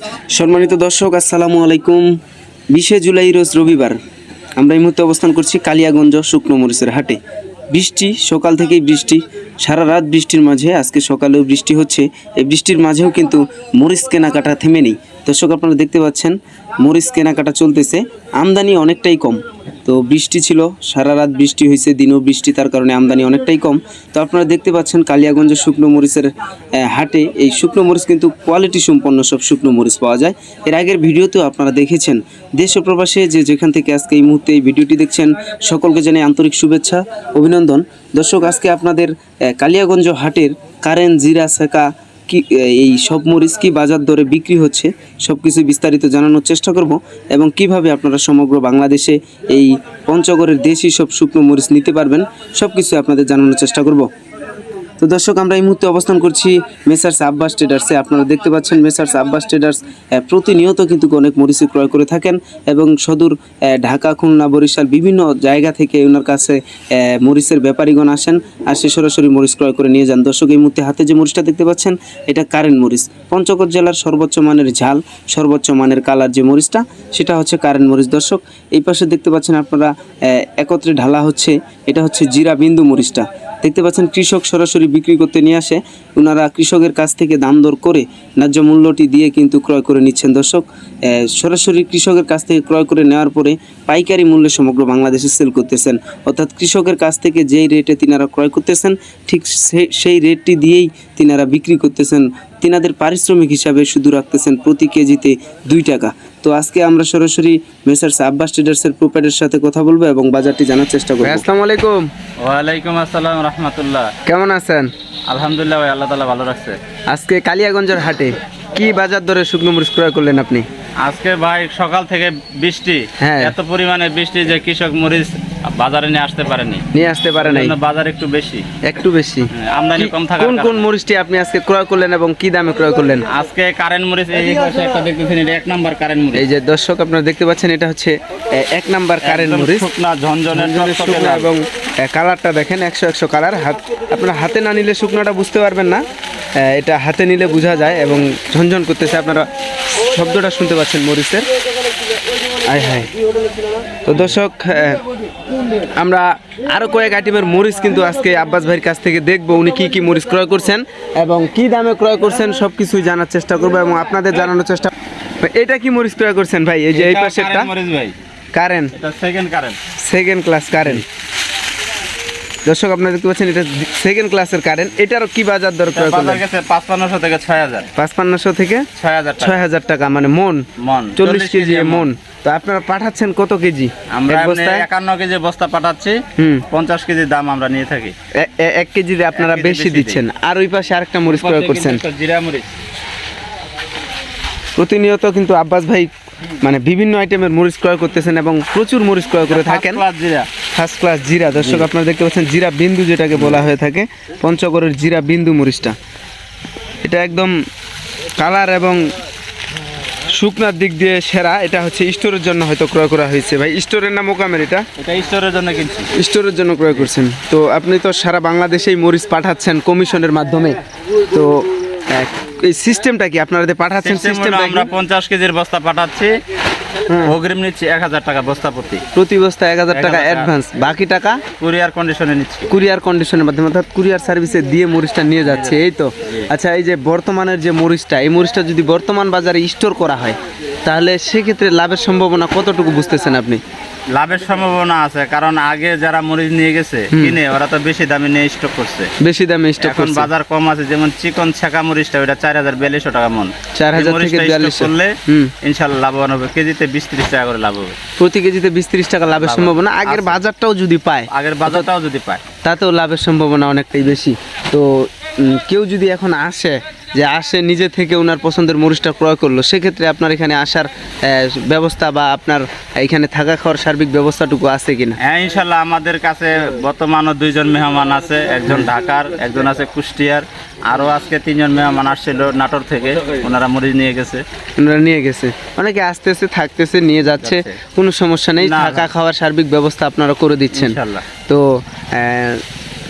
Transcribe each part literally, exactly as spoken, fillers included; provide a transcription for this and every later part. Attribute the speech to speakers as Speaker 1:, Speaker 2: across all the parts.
Speaker 1: সম্মানিত দর্শক, আসসালামু আলাইকুম। বিশে জুলাই রোজ রবিবার আমরা এই মুহূর্তে অবস্থান করছি কালিয়াগঞ্জ শুকনো মরিচের হাটে। বৃষ্টি, সকাল থেকেই বৃষ্টি, সারা রাত বৃষ্টির মাঝে আজকে সকালেও বৃষ্টি হচ্ছে। এই বৃষ্টির মাঝেও কিন্তু মরিচ কেনাকাটা থেমে নেই। দর্শক, আপনারা দেখতে পাচ্ছেন মরিচ কেনাকাটা চলতেছে, আমদানি অনেকটাই কম। তো বৃষ্টি ছিল, সারা রাত বৃষ্টি হয়েছে, দিনও বৃষ্টি, তার কারণে আমদানি অনেকটাই কম। তো আপনারা দেখতে পাচ্ছেন কালিয়াগঞ্জের শুকনো মরিচের হাটে এই শুকনো মরিচ কিন্তু কোয়ালিটি সম্পন্ন সব শুকনো মরিচ পাওয়া যায়। এর আগের ভিডিওতেও আপনারা দেখেছেন। দেশ ও প্রবাসে যে যেখান থেকে আজকে এই মুহূর্তে এই ভিডিওটি দেখছেন, সকলকে জানাই আন্তরিক শুভেচ্ছা, অভিনন্দন। দর্শক, আজকে আপনাদের কালিয়াগঞ্জ হাটের কারেন্ট, জিরা, সেকা কি এই সব মরিচ কি বাজার দরে বিক্রি হচ্ছে সব কিছু বিস্তারিত জানানোর চেষ্টা করব, এবং কিভাবে আপনারা সমগ্র বাংলাদেশে এই পঞ্চগড়ের দেশি সব শুকনো মরিচ নিতে পারবেন সব কিছু আপনাদের জানানোর চেষ্টা করব। তো দর্শক, আমরা এই মুহূর্তে অবস্থান করছি মেসার্স আব্বাস ট্রেডার্সে। আপনারা দেখতে পাচ্ছেন মেসার্স আব্বাস ট্রেডার্স প্রতিনিয়ত কিন্তু অনেক মরিচ ক্রয় করে থাকেন, এবং সদূর ঢাকা, খুলনা, বরিশাল বিভিন্ন জায়গা থেকে ওনার কাছে মরিচের ব্যাপারীগণ আসেন, আর সে সরাসরি মরিচ ক্রয় করে নিয়ে যান। দর্শক, এই মুহূর্তে হাতে যে মরিচটা দেখতে পাচ্ছেন, এটা কারেন্ট মরিচ। পঞ্চগড় জেলার সর্বোচ্চ মানের ঝাল, সর্বোচ্চ মানের কালার যে মরিচটা, সেটা হচ্ছে কারেন্ট মরিচ। দর্শক, এই পাশে দেখতে পাচ্ছেন আপনারা একত্রে ঢালা হচ্ছে, এটা হচ্ছে জিরা বিন্দু মরিচটা। দেখতে পাচ্ছেন কৃষক সরাসরি বিক্রি করতে নিয়ে আসে, ওনারা কৃষকের কাছ থেকে দাম দর করে ন্যায্য মূল্যটি দিয়ে কিন্তু ক্রয় করে নিচ্ছেন। দর্শক, সরাসরি কৃষকের কাছ থেকে ক্রয় করে নেওয়ার পরে পাইকারি মূল্যে সমগ্র বাংলাদেশে সেল করতেছেন, অর্থাৎ কৃষকের কাছ থেকে যেই রেটে তিনারা ক্রয় করতেছেন ঠিক সেই রেটটি দিয়েই তিনারা বিক্রি করতেছেন। তিনাদের পারিশ্রমিক হিসাবে শুধু রাখতেছেন প্রতি কেজিতে দুই টাকা। তো আজকে আমরা সরাসরি মেসার্স আব্বাস ট্রেডার্সের প্রোপাইটারের সাথে কথা বলবো এবং বাজারটি জানার চেষ্টা করবো। আসসালামু আলাইকুম।
Speaker 2: ওয়ালাইকুম আসসালাম রাহমাতুল্লাহ।
Speaker 1: কেমন আছেন?
Speaker 2: আলহামদুলিল্লাহ ভাই, আল্লাহ তাআলা ভালো রাখছে।
Speaker 1: আজকে কালিয়াগঞ্জের হাটে কি বাজার দরে শুকনো মরিচ ক্রয় করলেন আপনি?
Speaker 2: আজকে ভাই সকাল থেকে বৃষ্টি,
Speaker 1: হ্যাঁ।
Speaker 2: এত পরিমাণে বৃষ্টি যে কৃষক মরিচ বাজারে নিয়ে আসতে পারেনি,
Speaker 1: নিয়ে আসতে পারে নাই।
Speaker 2: বাজার একটু বেশি,
Speaker 1: একটু বেশি
Speaker 2: আমদানি কম থাকার
Speaker 1: কোন কোন মরিচটি আপনি আজকে ক্রয় করলেন এবং কি দামে ক্রয় করলেন?
Speaker 2: আজকে কারেন্ট মরিচ এই পাশে একটা দেখতেছেন, এটা এক নাম্বার কারেন্ট মরিচ।
Speaker 1: এই যে দর্শক, আপনারা দেখতে পাচ্ছেন, এটা হচ্ছে এক নাম্বার কারেন্ট মরিচ,
Speaker 2: শুকনা ঝনঝনে
Speaker 1: শুকনা, এবং কালারটা দেখেন একশো একশো কালার। হাত আপনারা হাতে না নিলে শুকনাটা বুঝতে পারবেন না, এটা হাতে নিলে বোঝা যায়, এবং ঝনঝন করতেছে। আপনারা শব্দটা শুনতে পাচ্ছেন মরিচের, আয় হায়। তো দর্শক, আমরা আরও কয়েক আইটেমের মরিচ কিন্তু আজকে আব্বাস ভাইয়ের কাছ থেকে দেখবো, উনি কি কি মরিচ ক্রয় করছেন এবং কি দামে ক্রয় করছেন সব কিছুই জানার চেষ্টা করবো এবং আপনাদের জানানোর চেষ্টা। এটা কি মরিচ ক্রয় করছেন ভাই? এই যে এই পাশেরটা current,
Speaker 2: second current,
Speaker 1: second class current. দর্শক, আপনারা দেখতে পাচ্ছেন এটা সেকেন্ড ক্লাসের কারেন্ট। এটারও কি বাজার দর ক্রয় করলেন?
Speaker 2: পাঁচপান্নশো থেকে ছয় হাজার,
Speaker 1: পাঁচপান্নশো থেকে
Speaker 2: ছয় হাজার,
Speaker 1: ছয় হাজার টাকা, মানে মন
Speaker 2: মন
Speaker 1: চল্লিশ কেজি মন। তো আপনারা পাঠাচ্ছেন কত কেজি?
Speaker 2: আমরা একান্ন কেজি বস্তা পাঠাচ্ছি, পঞ্চাশ কেজি দাম আমরা নিয়ে থাকি।
Speaker 1: এক কেজি আপনারা বেশি দিচ্ছেন। আর ওই পাশে আরেকটা মরিচ ক্রয় করছেন,
Speaker 2: জিরা মরিচ।
Speaker 1: প্রতিনিয়ত কিন্তু আব্বাস ভাই মানে বিভিন্ন আইটেমের মরিচ ক্রয় করতেছেন এবং প্রচুর মরিচ ক্রয় করে থাকেন। ফার্স্ট ক্লাস জিরা। দর্শক, আপনারা দেখতে পাচ্ছেন জিরা বিন্দু, যেটাকে বলা হয়ে থাকে পঞ্চগড়ের জিরা বিন্দু মরিচটা। এটা একদম কালার এবং শুকনার দিক দিয়ে সেরা। এটা হচ্ছে স্টোরের জন্য হয়তো ক্রয় করা হয়েছে। ভাই, স্টোরের না মোকামের? এটা
Speaker 2: এটা স্টোরের জন্য কিনছি।
Speaker 1: স্টোরের জন্য ক্রয় করছেন। তো আপনি তো সারা বাংলাদেশেই মরিচ পাঠাচ্ছেন কমিশনের মাধ্যমে। তো এই সিস্টেমটা কি আপনারা পাঠাচ্ছেন? সিস্টেমটা
Speaker 2: আমরা পঞ্চাশ কেজির বস্তা পাঠাচ্ছি, অগ্রিম নিচ্ছি এক হাজার টাকা বস্তা প্রতি,
Speaker 1: প্রতি বস্তা এক হাজার টাকা অ্যাডভান্স, বাকি টাকা
Speaker 2: কুরিয়ার কন্ডিশনে নিচ্ছি।
Speaker 1: কুরিয়ার কন্ডিশনের মাধ্যমে, অর্থাৎ কুরিয়ার সার্ভিসে দিয়ে মরিচটা নিয়ে যাচ্ছে, এই তো। আচ্ছা, এই যে বর্তমানের যে মরিচটা, এই মরিচটা যদি বর্তমান বাজারে স্টোর করা হয় তাহলে সেক্ষেত্রে লাভের সম্ভাবনা কতটুকু বুঝতেছেন আপনি?
Speaker 2: লাভের সম্ভাবনা আছে, কারণ আগে যারা মরিচ নিয়ে গেছে কিনে ওরা তো বেশি দামে নিয়ে স্টক করছে,
Speaker 1: বেশি দামে স্টক করছে।
Speaker 2: বাজার কম আছে, যেমন চিকন ছাকা মরিচটা ওটা চার হাজার বিয়াল্লিশশো টাকা মন,
Speaker 1: চার হাজার থেকে বিয়াল্লিশশো
Speaker 2: করলে ইনশাল্লাহ লাভবান হবে। কেজিতে বিশ ত্রিশ টাকা করে লাভ হবে,
Speaker 1: প্রতি কেজিতে বিশ ত্রিশ টাকা লাভের সম্ভাবনা। আগের বাজারটাও যদি পায়,
Speaker 2: আগের বাজারটাও যদি পায়
Speaker 1: তাতেও লাভের সম্ভাবনা অনেকটাই বেশি। তো কেউ যদি এখন আসে, যে আসে নিজে থেকে ওনার পছন্দের মরিচটা ক্রয় করলো, সেক্ষেত্রে আপনার এখানে আসার ব্যবস্থা বা আপনার এখানে থাকা খাওয়ার সার্বিক ব্যবস্থাটুকু আছে কিনা?
Speaker 2: হ্যাঁ, ইনশাল্লাহ আমাদের কাছে বর্তমানে দুইজন মেহমান আছে, একজন ঢাকার, একজন আছে কুষ্টিয়ার, আরও আজকে তিনজন মেহমান আসছিল নাটোর থেকে, ওনারা মরিচ নিয়ে গেছে।
Speaker 1: ওনারা নিয়ে গেছে, অনেকে আসতেছে, থাকতেছে, নিয়ে যাচ্ছে, কোনো সমস্যা নেই। থাকা খাওয়ার সার্বিক ব্যবস্থা আপনারা করে দিচ্ছেন।
Speaker 2: ইনশাল্লাহ।
Speaker 1: তো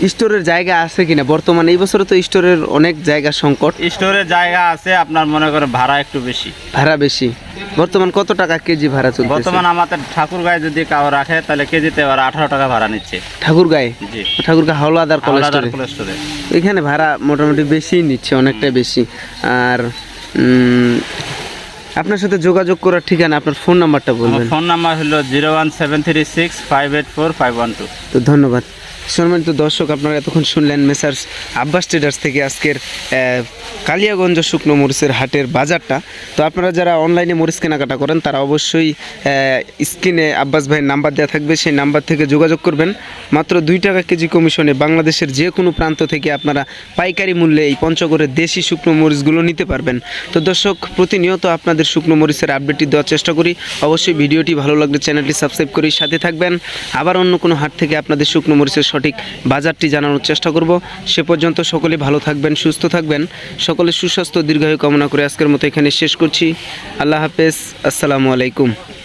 Speaker 1: স্টোরের জায়গা আছে কিনা বর্তমানে? এই বছরে তো স্টোরের অনেক জায়গা সংকট,
Speaker 2: স্টোরের জায়গা আছে, আপনার মনে করে ভাড়া একটু বেশি।
Speaker 1: ভাড়া বেশি। বর্তমান কত টাকা কেজি ভাড়া চলছে?
Speaker 2: বর্তমান আমাদের ঠাকুরগাঁয়ে যদি কাউ রাখে তাহলে কেজিতে ওরা আঠারো টাকা ভাড়া নিচ্ছে।
Speaker 1: ঠাকুরগাঁয়ে?
Speaker 2: জি,
Speaker 1: ঠাকুরগাঁ হাওলাদার
Speaker 2: হাওলাদার
Speaker 1: কলেজ
Speaker 2: কোল্ড স্টোরে।
Speaker 1: এখানে ভাড়া মোটামুটি বেশি নিচ্ছে, অনেকটাই বেশি। আর উম, আপনার সাথে যোগাযোগ করার ঠিকানা, আপনার ফোন নাম্বারটা
Speaker 2: আমার
Speaker 1: বলবেন।
Speaker 2: ফোন নাম্বার হলো zero one seven three six five eight four five one two.
Speaker 1: তো ধন্যবাদ। সম্মানিত দর্শক, আপনারা এতক্ষণ শুনলেন মেসার্স আব্বাস ট্রেডার্স থেকে আজকের আহ, কালিয়াগঞ্জ শুকনো মরিচের হাটের বাজারটা। তো আপনারা যারা অনলাইনে মরিচ কেনাকাটা করেন তারা অবশ্যই স্ক্রিনে আব্বাস ভাইয়ের নাম্বার দেওয়া থাকবে, সেই নাম্বার থেকে যোগাযোগ করবেন। মাত্র দুই টাকা কেজি কমিশনে বাংলাদেশের যে কোনো প্রান্ত থেকে আপনারা পাইকারি মূল্যে এই পঞ্চগড়ের দেশি শুকনো মরিচগুলো নিতে পারবেন। তো দর্শক, প্রতিনিয়ত আপনাদের শুকনো মরিচের আপডেটটি দেওয়ার চেষ্টা করি। অবশ্যই ভিডিওটি ভালো লাগলে চ্যানেলটি সাবস্ক্রাইব করে সাথে থাকবেন। আবার অন্য কোনো হাট থেকে আপনাদের শুকনো মরিচের সঠিক বাজারটি জানানোর চেষ্টা করব। সে পর্যন্ত সকলে ভালো থাকবেন, সুস্থ থাকবেন, সকলের সুস্বাস্থ্য দীর্ঘায়ু কামনা করে আজকের মতো এখানে শেষ করছি। আল্লাহ হাফেজ, আসসালামু আলাইকুম।